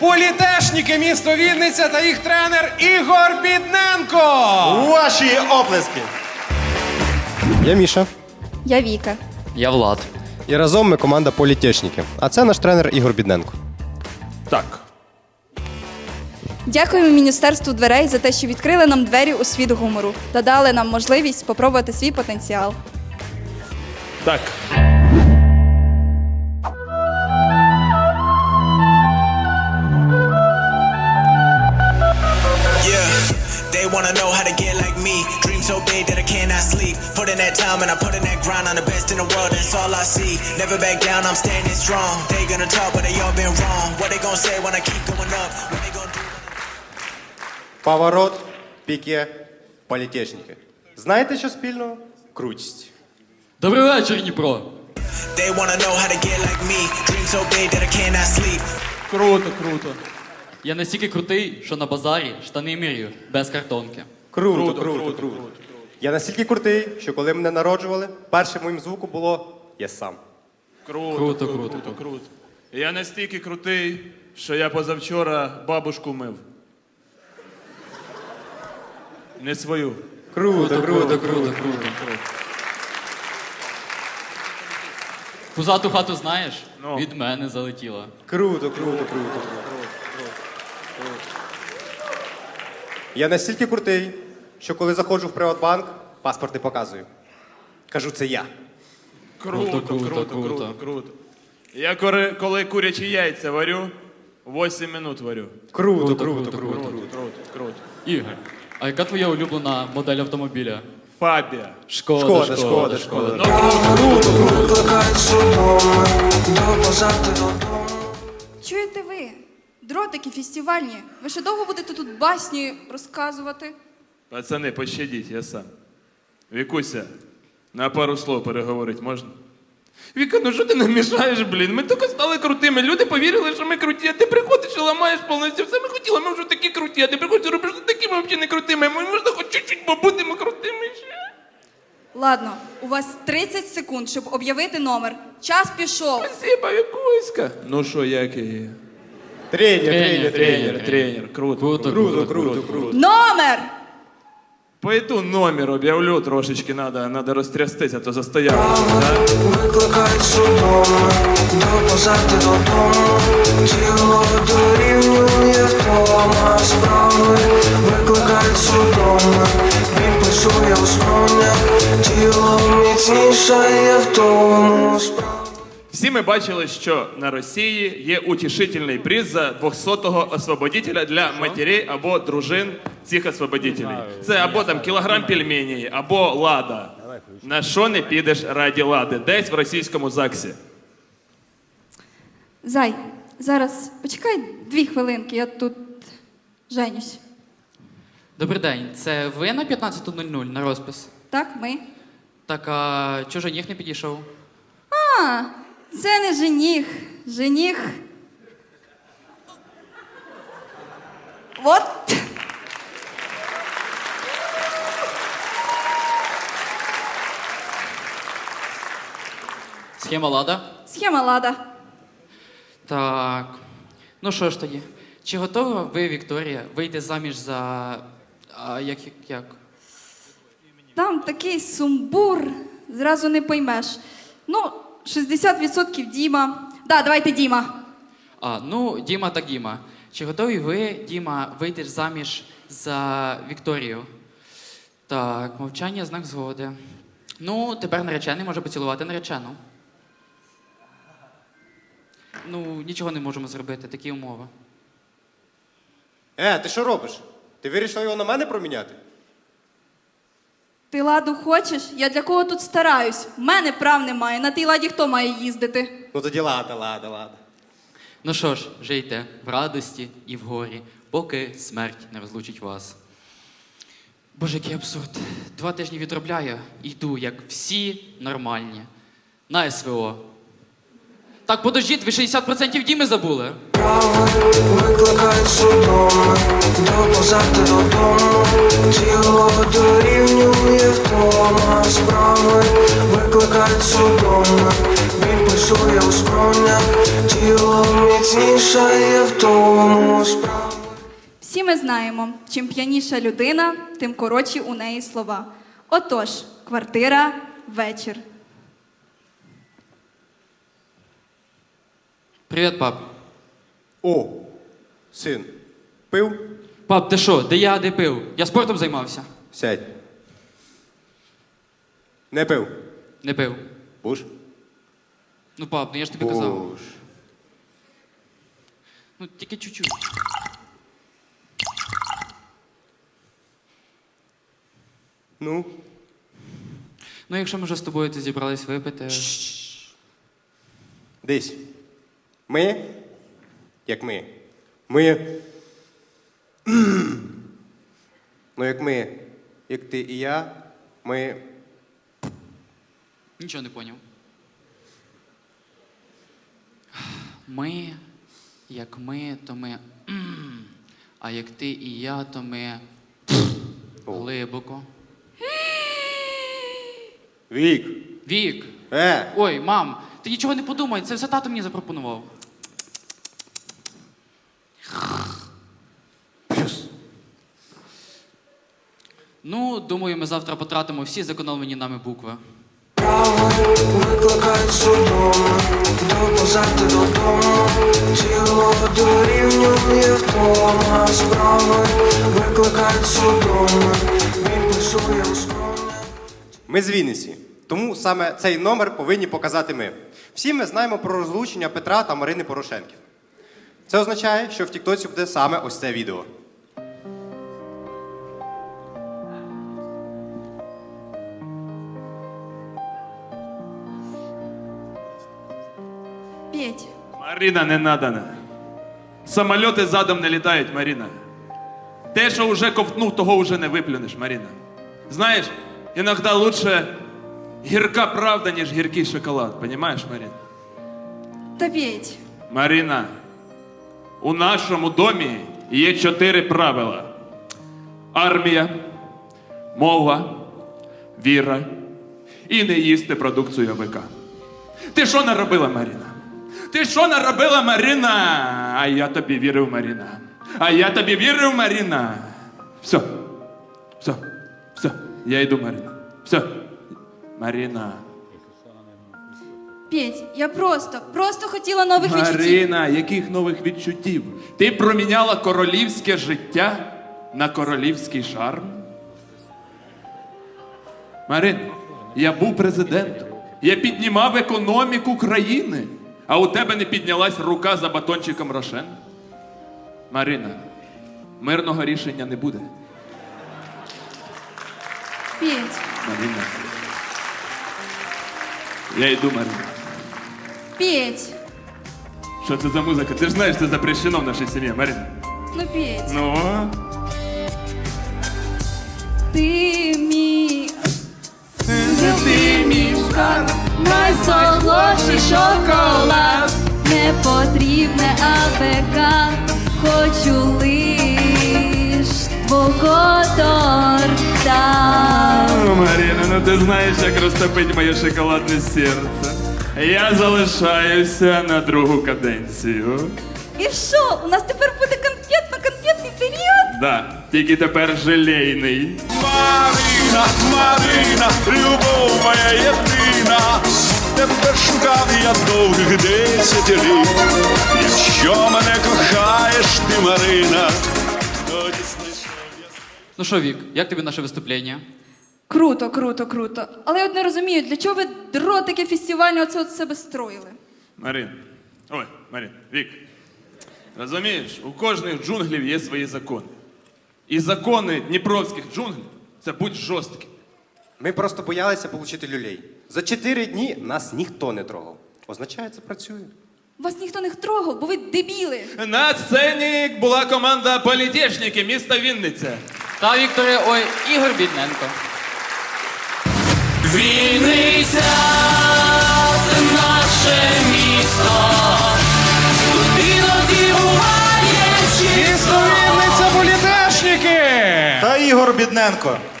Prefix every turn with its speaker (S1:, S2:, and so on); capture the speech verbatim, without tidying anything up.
S1: Політешніки місто Вінниця та їх тренер Ігор Бідненко.
S2: Ваші оплески.
S3: Я Міша.
S4: Я Віка.
S5: Я Влад.
S3: І разом ми команда Політешніки. А це наш тренер Ігор Бідненко.
S2: Так.
S4: Дякуємо Міністерству дверей за те, що відкрили нам двері у світ гумору та дали нам можливість спробувати свій потенціал.
S2: Так.
S6: They wanna know how to get like me. Dream so big that I cannot sleep. Put in that time and I put in that grind. I'm the best in the world, that's all I see. Never back down, I'm standing strong. They gonna talk, but they all been wrong. What they gonna say when I keep going up? What they gonna do?
S3: Поворот, піке, Політешніки. Знаєте, що спільного? Крутість.
S5: Добрий вечір, Дніпро.
S6: They wanna know how to get like me. Dream so big that I cannot sleep.
S5: Круто, круто. Я настільки крутий, що на базарі штани мірю без картонки.
S3: Круто, круто, круто. Я настільки крутий, що коли мене народжували, першим моїм звуком було «я сам».
S2: Круто,
S5: Круто,
S2: круто,
S5: круто,
S2: круто, круто. Я настільки крутий, що я позавчора бабушку мив. Не свою.
S3: Круто, круто,
S5: круто, круто. Пузату хату знаєш?
S2: Ну.
S5: Від мене залетіла.
S3: Круто, круто, круто, круто. Я настільки крутий, що коли заходжу в Приватбанк, паспорт не показую. Кажу, це я.
S2: Круто,
S5: Круто,
S2: круто,
S5: круто,
S2: круто,
S5: круто.
S2: круто. Я коли, коли курячі яйця варю, вісім минут варю.
S3: Круто,
S5: Круто,
S3: круто,
S5: круто,
S3: круто.
S2: Круто, круто, круто.
S5: Ігор, а яка твоя улюблена модель автомобіля?
S2: Фабія.
S5: Шкода,
S3: Шкода,
S5: шкода,
S3: шкода,
S5: шкода.
S2: Ну,
S4: Чуєте ви? Дротики фестивальні. Ви ще довго будете тут басні розказувати?
S2: Пацани, пощадіть, я сам. Вікуся, на пару слов переговорити можна? Віка, ну що ти нам мішаєш, блін? Ми тільки стали крутими. Люди повірили, що ми круті, а ти приходиш і ламаєш повністю. Все ми хотіли, ми вже такі круті, а ти приходиш і робиш такими взагалі не крутими. Ми можна хоч чуть-чуть побудемо крутими ще.
S4: Ладно, у вас тридцять секунд, щоб об'явити номер. Час пішов.
S2: Спасибо, Вікуська. Ну що, як я?
S3: Тренер,
S5: Тренер,
S3: тренер, тренер.
S2: Тренер, тренер, круто.
S5: Круто,
S3: Круто, круто, круто.
S4: Номер!
S2: Пойду номер об'явлю трошечки, надо, надо розтрястися, а то застояв. Да?
S7: Викликають судоми, допозати додому, тіло дорівнює втома справи. Викликають судоми, він пульсує у скронях, тіло міцнішає в тому справи.
S2: Всі ми бачили, що на Росії є утішительний приз за двохсотого освободителя для матерей або дружин цих освободителей. Це або там кілограм пельменей, або лада. На що не підеш раді лади? Десь в російському ЗАГСі.
S4: Зай, зараз почекай дві хвилинки, я тут женюсь.
S5: Добрий день, це ви на п'ятнадцята нуль нуль на розпис?
S4: Так, ми.
S5: Так, а чого жених не підійшов?
S4: А, це не жених. Жених. Вот.
S5: Схема лада?
S4: Схема лада.
S5: Так. Ну що ж тоді? Чи готова ви, Вікторія, вийти заміж за. А, як, як, як?
S4: Там такий сумбур, зразу не поймеш. Ну, шістдесят відсотків Діма. Да, давайте Діма.
S5: А, ну, Діма так Діма. Чи готові ви, Діма, вийти заміж за Вікторію? Так, мовчання знак згоди. Ну, тепер наречений може поцілувати наречену. Ну, нічого не можемо зробити, такі умови.
S3: Е, ти що робиш? Ти вирішила його на мене проміняти?
S4: Ти ладу хочеш? Я для кого тут стараюсь? В мене прав немає. На тій ладі хто має їздити?
S3: Ну тоді лада, лада, лада.
S5: Ну що ж, жийте в радості і в горі, поки смерть не розлучить вас. Боже, який абсурд. Два тижні відробляю і йду, як всі нормальні. На СВО. Так, подождіть, ви шістдесят відсотків Діми забули.
S7: Викликають судоми, допозати додому, тіло дорівнює втома справи. Викликають судоми, він пульсує у скронях, тіло міцнішає в тому додому справи.
S4: Всі ми знаємо, чим п'яніша людина, тим коротші у неї слова. Отож, квартира, вечір.
S5: Привіт, пап.
S3: О, син, пив?
S5: Пап, ти що, де я, де пив? Я спортом займався.
S3: Сядь. Не пив.
S5: Не пив.
S3: Буш?
S5: Ну, пап, ну я ж тобі казав.
S3: Буш.
S5: Ну, тільки чуть-чуть.
S3: Ну,
S5: Ну, якщо ми вже з тобою тут зібрались випити.
S3: десь. Ми? Як ми? Ми. Ну, як ми, як ти і я, ми.
S5: Нічого не поняв. Ми, як ми, то ми. м, А як ти і я, то ми. Глибоко.
S3: Вік.
S5: Вік.
S3: Е!
S5: Ой, мам, ти нічого не подумай, це все тато мені запропонував. Ну, думаю, ми завтра потратимо всі зекономлені нами букви.
S7: Справи викликають судоми, доповзати додому, тіло дорівнює втома. Справи викликають судоми, він пульсує у скроні.
S3: Ми з Вінниці. Тому саме цей номер повинні показати ми. Всі ми знаємо про розлучення Петра та Марини Порошенків. Це означає, що в Тіктоці буде саме ось це відео.
S4: Петь,
S2: Марина, не надо. Самольоти задом не літають, Марина. Те, що вже ковтнув, того вже не виплюнеш, Марина. Знаєш, іноді лучше гірка правда, ніж гіркий шоколад. Понімаєш, Марина?
S4: та Петь.
S2: Марина, у нашому домі є чотири правила: армія, мова, віра і не їсти продукцію АВК. Ти що наробила, Марина? Ти що наробила, Марина? А я тобі вірив, Марина. А я тобі вірив, Марина. Все. Все. Все. Я йду, Марина. Все. Марина.
S4: Петь, я просто, просто хотіла нових відчуттів.
S2: Марина, яких нових відчуттів? Ти проміняла королівське життя на королівський шарм? Марин, я був президентом. Я піднімав економіку країни. А у тебе не піднялась рука за батончиком Рошен? Марина, мирного рішення не буде.
S4: Петь,
S2: Марина. Я йду, Марина.
S4: Петь,
S2: Що це за музика? Ти ж знаєш, це запрещено в нашій сім'ї, Марина.
S4: ну Петь.
S2: Ну?
S4: Ти мій, ти мій шоколад, найсолодший шоколад. Не потрібне АВК, хочу лиш твого торта.
S2: О, Марина, ну ти знаєш, як розтопить моє шоколадне серце. Я залишаюся на другу каденцію.
S4: І що, у нас тепер буде конфетно-конфетний період?
S2: Да, тільки тепер желейний.
S8: Марина, Марина, любов моя єдина, тебе шукав я довгих десять літ. Якщо мене кохаєш ти, Марина, тоді знайшов я.
S5: Ну що, Вік, як тобі наше виступлення?
S4: Круто, круто, круто. Але я от не розумію, для чого ви дротики фестивальні оце от себе строїли?
S2: Марин, ой, Марин, Вік, розумієш, у кожних джунглів є свої закони. І закони дніпровських джунглів – це будь жорсткі.
S3: Ми просто боялися отримати люлей. За чотири дні нас ніхто не трогав. Означає, це працює.
S4: Вас ніхто не трогав, бо ви дебіли.
S2: На сцені була команда політешники міста Вінниця.
S5: Та, Вікторе, ой, Ігор Бідненко.
S2: Вінниця – це наше місто. Тут іноді буває чисто.
S1: Місто Вінниця політешники!
S8: Та Ігор Бідненко.